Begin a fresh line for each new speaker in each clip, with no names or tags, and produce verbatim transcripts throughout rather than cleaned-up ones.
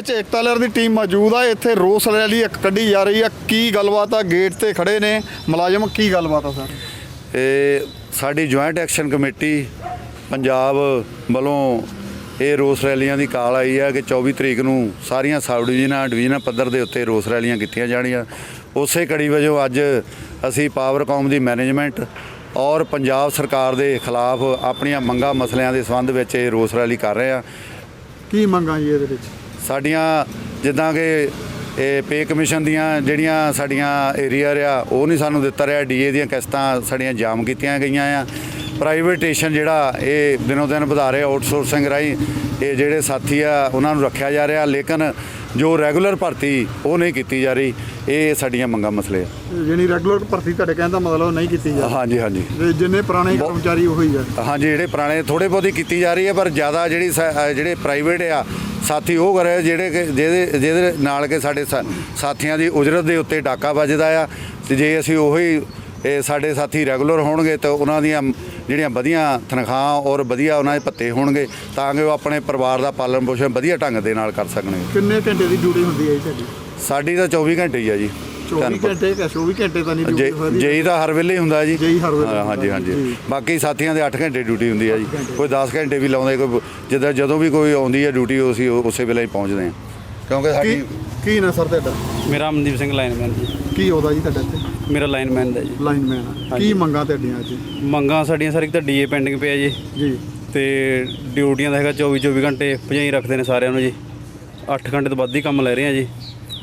ਵਿੱਚ ਏਕਤਾ ਲਹਿਰ ਦੀ ਟੀਮ ਮੌਜੂਦ ਆ। ਇੱਥੇ ਰੋਸ ਰੈਲੀ ਇੱਕ ਕੱਢੀ ਜਾ ਰਹੀ ਆ। ਕੀ ਗੱਲਬਾਤ ਆ? ਗੇਟ ਤੇ ਖੜੇ ਨੇ ਮੁਲਾਜ਼ਮ, ਕੀ ਗੱਲਬਾਤ ਆ ਸਰ?
ਇਹ ਸਾਡੀ ਜੁਆਇੰਟ ਐਕਸ਼ਨ ਕਮੇਟੀ ਪੰਜਾਬ ਵੱਲੋਂ ਇਹ ਰੋਸ ਰੈਲੀਆਂ ਦੀ ਕਾਲ ਆਈ ਹੈ ਕਿ ਚੌਵੀ ਤਰੀਕ ਨੂੰ ਸਾਰੀਆਂ ਸਬ ਡਿਵੀਜ਼ਨਾਂ ਡਿਵੀਜ਼ਨਾਂ ਪੱਧਰ ਦੇ ਉੱਤੇ ਰੋਸ ਰੈਲੀਆਂ ਕੀਤੀਆਂ ਜਾਣੀਆਂ। ਉਸੇ ਕੜੀ ਵਜੋਂ ਅੱਜ ਅਸੀਂ ਪਾਵਰਕੌਮ ਦੀ ਮੈਨੇਜਮੈਂਟ ਔਰ ਪੰਜਾਬ ਸਰਕਾਰ ਦੇ ਖਿਲਾਫ ਆਪਣੀਆਂ ਮੰਗਾਂ ਮਸਲਿਆਂ ਦੇ ਸੰਬੰਧ ਵਿੱਚ ਇਹ ਰੋਸ ਰੈਲੀ ਕਰ ਰਹੇ ਹਾਂ।
ਕੀ ਮੰਗਾਂ ਜੀ ਇਹਦੇ ਵਿੱਚ?
ਸਾਡੀਆਂ ਜਿੱਦਾਂ ਕਿ ਇਹ ਪੇ ਕਮਿਸ਼ਨ ਦੀਆਂ ਜਿਹੜੀਆਂ ਸਾਡੀਆਂ ਏਰੀਆ ਰਿਹਾ ਉਹ ਨਹੀਂ ਸਾਨੂੰ ਦਿੱਤਾ ਰਿਹਾ। ਡੀਏ ਦੀਆਂ ਕਿਸ਼ਤਾਂ ਸਾਡੀਆਂ ਜਾਮ ਕੀਤੀਆਂ ਗਈਆਂ ਆ। ਪ੍ਰਾਈਵੇਟੇਸ਼ਨ ਜਿਹੜਾ ਇਹ ਦਿਨੋਂ ਦਿਨ ਵਧਾ ਰਿਹਾ, ਆਊਟਸੋਰਸਿੰਗ ਰਾਹੀਂ ਇਹ ਜਿਹੜੇ ਸਾਥੀ ਆ ਉਹਨਾਂ ਨੂੰ ਰੱਖਿਆ ਜਾ ਰਿਹਾ, ਲੇਕਿਨ ਜੋ ਰੈਗੂਲਰ ਭਰਤੀ ਉਹ ਨਹੀਂ ਕੀਤੀ ਜਾ ਰਹੀ। ਇਹ ਸਾਡੀਆਂ ਮੰਗਾਂ ਮਸਲੇ ਆ।
ਜਿਹੜੀ ਰੈਗੂਲਰ ਭਰਤੀ ਤੁਹਾਡੇ ਕਹਿਣ ਦਾ ਮਤਲਬ ਨਹੀਂ ਕੀਤੀ ਜਾ ਰਹੀ?
ਹਾਂਜੀ ਹਾਂਜੀ,
ਜਿੰਨੇ ਪੁਰਾਣੇ ਕਰਮਚਾਰੀ ਉਹੀ ਆ?
ਹਾਂਜੀ, ਜਿਹੜੇ ਪੁਰਾਣੇ ਥੋੜ੍ਹੇ ਬਹੁਤੀ ਕੀਤੀ ਜਾ ਰਹੀ ਹੈ, ਪਰ ਜ਼ਿਆਦਾ ਜਿਹੜੀ ਜਿਹੜੇ ਪ੍ਰਾਈਵੇਟ ਆ ਸਾਥੀ ਉਹ ਕਰ ਰਹੇ ਜਿਹੜੇ ਕਿ ਜਿਹਦੇ ਜਿਹਦੇ ਨਾਲ ਕਿ ਸਾਡੇ ਸਾਥੀਆਂ ਦੀ ਉਜਰਤ ਦੇ ਉੱਤੇ ਡਾਕਾ ਵੱਜਦਾ ਆ। ਅਤੇ ਜੇ ਅਸੀਂ ਉਹੀ ਇਹ ਸਾਡੇ ਸਾਥੀ ਰੈਗੂਲਰ ਹੋਣਗੇ ਤਾਂ ਉਹਨਾਂ ਦੀਆਂ ਜਿਹੜੀਆਂ ਵਧੀਆ ਤਨਖਾਹਾਂ ਔਰ ਵਧੀਆ ਉਹਨਾਂ ਦੇ ਭੱਤੇ ਹੋਣਗੇ ਤਾਂ ਕਿ ਉਹ ਆਪਣੇ ਪਰਿਵਾਰ ਦਾ ਪਾਲਣ ਪੋਸ਼ਣ ਵਧੀਆ ਢੰਗ ਦੇ ਨਾਲ ਕਰ ਸਕਣਗੇ।
ਕਿੰਨੇ ਘੰਟੇ ਦੀ ਡਿਊਟੀ ਹੁੰਦੀ ਹੈ ਜੀ ਤੁਹਾਡੀ?
ਸਾਡੀ ਤਾਂ ਚੌਵੀ ਘੰਟੇ ਹੀ ਆ ਜੀ।
ਚੌਵੀ ਘੰਟੇ ਕਿ ਚੌਵੀ ਘੰਟੇ ਤਾਂ ਨਹੀਂ ਡਿਊਟੀ ਹੋਦੀ?
ਜੇਈ ਤਾਂ ਹਰ ਵੇਲੇ ਹੁੰਦਾ ਜੀ।
ਜੇਈ ਹਰ ਵੇਲੇ?
ਹਾਂਜੀ ਹਾਂਜੀ, ਬਾਕੀ ਸਾਥੀਆਂ ਦੇ ਅੱਠ ਘੰਟੇ ਡਿਊਟੀ ਹੁੰਦੀ ਆ ਜੀ। ਕੋਈ ਦਸ ਘੰਟੇ ਵੀ ਲਾਉਂਦੇ, ਕੋਈ ਜਿੱਦਾਂ ਜਦੋਂ ਵੀ ਕੋਈ ਆਉਂਦੀ ਹੈ ਡਿਊਟੀ ਅਸੀਂ ਉਸੇ ਵੇਲੇ ਹੀ ਪਹੁੰਚਦੇ ਹਾਂ। ਕਿਉਂਕਿ ਸਾਡੀ
ਕੀ ਨਾ ਸਰ ਤੁਹਾਡਾ?
ਮੇਰਾ ਅਮਨਦੀਪ ਸਿੰਘ ਲਾਈਨਮੈਨ ਜੀ।
ਕੀ ਉਹਦਾ ਜੀ ਤੁਹਾਡਾ ਇੱਥੇ?
ਮੇਰਾ ਲਾਈਨਮੈਨ ਦਾ ਜੀ।
ਲਾਈਨਮੈਨ। ਕੀ ਮੰਗਾਂ ਤੁਹਾਡੀਆਂ ਅੱਜ?
ਮੰਗਾਂ ਸਾਡੀਆਂ ਸਰ ਇੱਕ ਤਾਂ ਡੀਏ ਪੈਂਡਿੰਗ ਪਿਆ ਜੀ
ਜੀ,
ਤੇ ਡਿਊਟੀਆਂ ਦਾ ਹੈਗਾ ਚੌਵੀ ਚੌਵੀ ਘੰਟੇ ਭਜਾਈ ਰੱਖਦੇ ਨੇ ਸਾਰਿਆਂ ਨੂੰ ਜੀ। ਅੱਠ ਘੰਟੇ ਤੋਂ ਵੱਧ ਹੀ ਕੰਮ ਲੈ ਰਹੇ ਆ ਜੀ।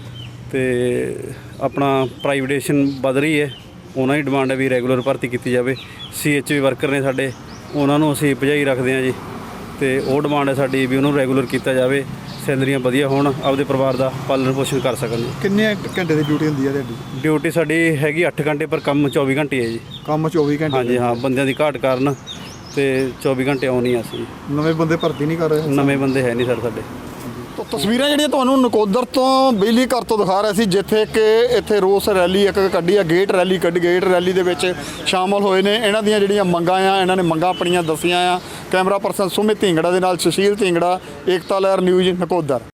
ਤੇ ਆਪਣਾ ਪ੍ਰਾਈਵੇਟੇਸ਼ਨ ਵੱਧ ਰਹੀ ਹੈ, ਉਹਨਾਂ ਦੀ ਡਿਮਾਂਡ ਹੈ ਵੀ ਰੈਗੂਲਰ ਭਰਤੀ ਕੀਤੀ ਜਾਵੇ। ਸੀ ਐਚ ਵੀ ਵਰਕਰ ਨੇ ਸਾਡੇ, ਉਹਨਾਂ ਨੂੰ ਅਸੀਂ ਭਜਾਈ ਰੱਖਦੇ ਹਾਂ ਜੀ। ਤੇ ਉਹ ਡਿਮਾਂਡ ਹੈ ਸਾਡੀ ਵੀ ਉਹਨੂੰ ਰੈਗੂਲਰ ਕੀਤਾ ਜਾਵੇ, ਸੈਲਰੀਆਂ ਵਧੀਆ ਹੋਣ, ਆਪਦੇ ਪਰਿਵਾਰ ਦਾ ਪਾਲਣ ਪੋਸ਼ਣ ਕਰ ਸਕਣ ਜੀ।
ਕਿੰਨੇ ਘੰਟੇ ਦੀ ਡਿਊਟੀ ਹੁੰਦੀ ਹੈ ਤੁਹਾਡੀ?
ਡਿਊਟੀ ਸਾਡੀ ਹੈਗੀ ਅੱਠ ਘੰਟੇ, ਪਰ ਕੰਮ ਚੌਵੀ ਘੰਟੇ ਹੈ ਜੀ।
ਕੰਮ ਚੌਵੀ ਘੰਟੇ?
ਹਾਂਜੀ ਹਾਂ, ਬੰਦਿਆਂ ਦੀ ਘਾਟ ਕਾਰਨ ਤੇ ਚੌਵੀ ਘੰਟੇ ਆਉਣੀ ਆ ਅਸੀਂ।
ਨਵੇਂ ਬੰਦੇ ਭਰਤੀ ਨਹੀਂ ਕਰ ਰਹੇ?
ਨਵੇਂ ਬੰਦੇ ਹੈ ਨਹੀਂ ਸਰ ਸਾਡੇ।
ਤਾਂ ਤਸਵੀਰਾਂ ਜਿਹੜੀਆਂ ਤੁਹਾਨੂੰ ਨਕੋਦਰ ਤੋਂ ਬਿਜਲੀ ਘਰ ਤੋਂ ਦਿਖਾ ਰਿਹਾ ਸੀ, ਜਿੱਥੇ ਕਿ ਇੱਥੇ ਰੋਸ ਰੈਲੀ ਇੱਕ ਕੱਢੀ ਆ, ਗੇਟ ਰੈਲੀ ਕੱਢੀ। ਗੇਟ ਰੈਲੀ ਦੇ ਵਿੱਚ ਸ਼ਾਮਲ ਹੋਏ ਨੇ। ਇਹਨਾਂ ਦੀਆਂ ਜਿਹੜੀਆਂ ਮੰਗਾਂ ਆ, ਇਹਨਾਂ ਨੇ ਮੰਗਾਂ ਆਪਣੀਆਂ ਦੱਸੀਆਂ ਆ। ਕੈਮਰਾ ਪਰਸਨ ਸੁਮਿਤ ਢਿੰਗੜਾ ਦੇ ਨਾਲ ਸੁਸ਼ੀਲ ਢਿੰਗੜਾ, ਏਕਤਾ ਲਹਿਰ ਨਿਊਜ਼ ਨਕੋਦਰ।